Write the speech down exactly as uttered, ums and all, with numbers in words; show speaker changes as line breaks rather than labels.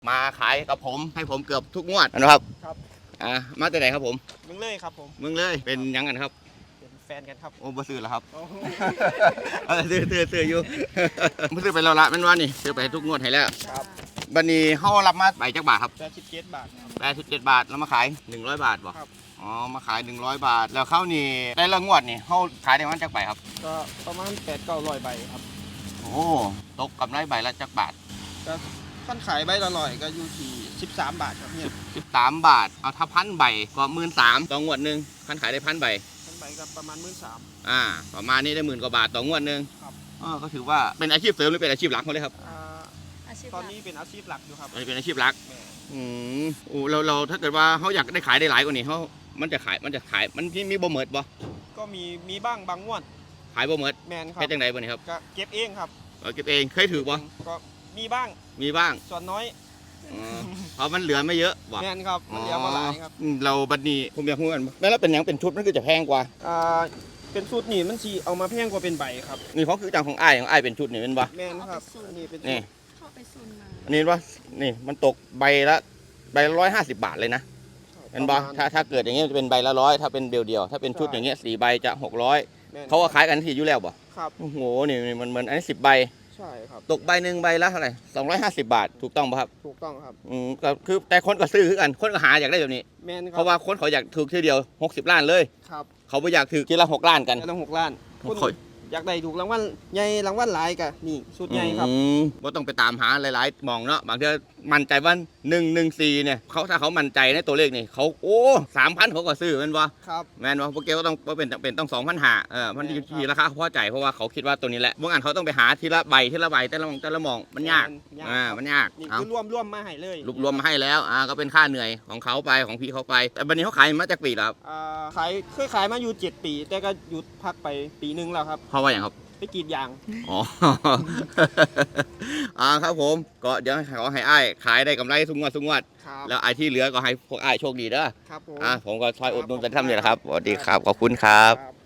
มาขายกับผมให้ผมเกือบทุกงวดนะครับ
ครับ
อ่ามาแต่ไหนครับผม
เมึงเลยครับผม
เมืองเลยเป็นยังกันครับ
เป็นแฟนกันครับ
โอ้บ่ซื้อแล้วครับซื้อซื้อซื้ออยู่บ่ซื้อไปแล้วละแม่นว่านี่ซื้อไปทุกงวดให้แล้ว
ครับ
บัดนี้เฮารับมาใบจักบาทครับ
แปดสิบเจ็ดบาทครับ
แปดสิบเจ็ดบาทแล้วมาขายหนึ่งร้อยบาทบ่
ครับ
อ๋อมาขายหนึ่งร้อยบาทแล้วเข้านี่ได้ละงวดนี่เฮาขายได้วันจักใบครับ
ก็ประมาณแปดเก้าร้อยใบครับ
โอ้ตกกำไรใบละจักบาท
ก็ขั้นขายใบละร้อยก็อยู่ที่สิบสามบาทครับเนี่ย
สิบสามบาทเอาถ้าพันใบก็หมื่นสามต่องวดหนึ่งขั้นขายได้พันใบ
พันใบก็ประมาณหมื่นสาม
อ่าประมาณนี้ได้หมื่นกว่าบาทต่องวดหนึ่ง
ครับ
อ๋อก็ถือว่าเป็นอาชีพเสริมหรือเป็นอาชีพหลักเขาเลยครับ
ตอนนี้เป็นอาชีพหลักอยู่ครับ
เป็นอาชีพหลักอืมโอ้เราเราถ้าเกิดว่าเขาอยากได้ขายได้หลายกว่านี้เขามันจะขายมันจะขายมันมีมีบ่เหมิดบ่
ก็มีมีบ้างบางงวด
ขายบ่เหมิด
แมนครับ
แค่จังไดบ่นี่ครับ
ก็เก็บเองครับ
เก็บเองเคยถือบ่
ก็มีบ้าง
มีบ้าง
ส่วนน้อย
เพราะมันเหลือไม่เยอะ
ว่ะแมนครับมันเหลือมาหลายครับ
เราบัดนี้ผมอยากพูดกันแล้วเป็นยังเป็นชุดมันคือจะแพงกว่า
อ่าเป็นชุดนี่มันสีเอามาแพงกว่าเป็นใบครับ
นี่เขาคือจังของอ้ายของอ้ายเป็นชุดนี่เป็นบ่
แมนครับอันนี้เป็น
นี่
เข้าไปซุนมา
อันนี้ว่านี่มันตกใบละใบละร้อยห้าสิบบาทเลยนะเป็นบ่ถ้าถ้าเกิดอย่างเงี้ยจะเป็นใบละร้อยถ้าเป็นเดียวๆถ้าเป็นชุดอย่างเงี้ยสี่ใบจะหกร้อยเขาก็ขายกันที่อยู่แล้วบ่
ครับ
โอ้โหนี่มันเหมือนอันนี้สิบใบ
ใช่ครับ
ตกใบหนึ่งใบละเท่าไหร่สองร้อยห้าสิบบาทถูกต้องป่ะครับ
ถูกต้องครับ
อืมก็คือแต่คนก็ซื้อคือกันคนก็หาอยากได้แบบนี้
แมนครับ
เพราะว่าคนเขาอยากถูกทีเดียวหกสิบล้านเลย
ครับ
เขาไม่อยากถือทีละหกล้านกัน
ทีละหกล้านคนอยากได้ถูกรางวัลใหญ่รางวัลหลายกะนี่ชุดใหญ่ครับ
ว่าต้องไปตามหาหลายๆมองเนาะบางทีมั่นใจว่าหนึ่งหนึ่งสี่เนี่ยเขาถ้าเขามั่นใจในตัวเลขนี่เขาโอ้สามพันเขาก็ซื้อแม่นวะ
ครับ
แม่นวะพวกเกก็ต้องเป็นเป็นต้องสองพันหาเออมันอยู่ที่ราคาพอใจเพราะว่าเขาคิดว่าตัวนี้แหละบางอันเขาต้องไปหาทีละใบทีละใบแต่ละมองแต่ละมองมันยากอ่ามันยาก
นี่คือรวมรวมมาให้เลย
รวบรวมมาให้แล้วอ่าก็เป็นค่าเหนื่อยของเขาไปของพี่เขาไปแต่วันนี้เขาขายมาจากปีแล้วครับ
อ่าขายเคยขายมาอยู่เจ็ดปีแต่ก็หยุดพักไปปีนึงแล้วครับ
เพราะว่าอย่างครับ
ไปกรีดยาง
อ๋ออ่าครับผมก็เดี๋ยวขอให้อ้ายขายได้กำไรสุงวดสุงวดแล้วไอ้ที่เหลือก็ให้พวกอ้ายโชคดีเด้อ
ครับผม
อ่าผมก็ช่วยอุดหนุนเป็นทำเนี่ยแหละครับสวัสดีครับขอบคุณครับ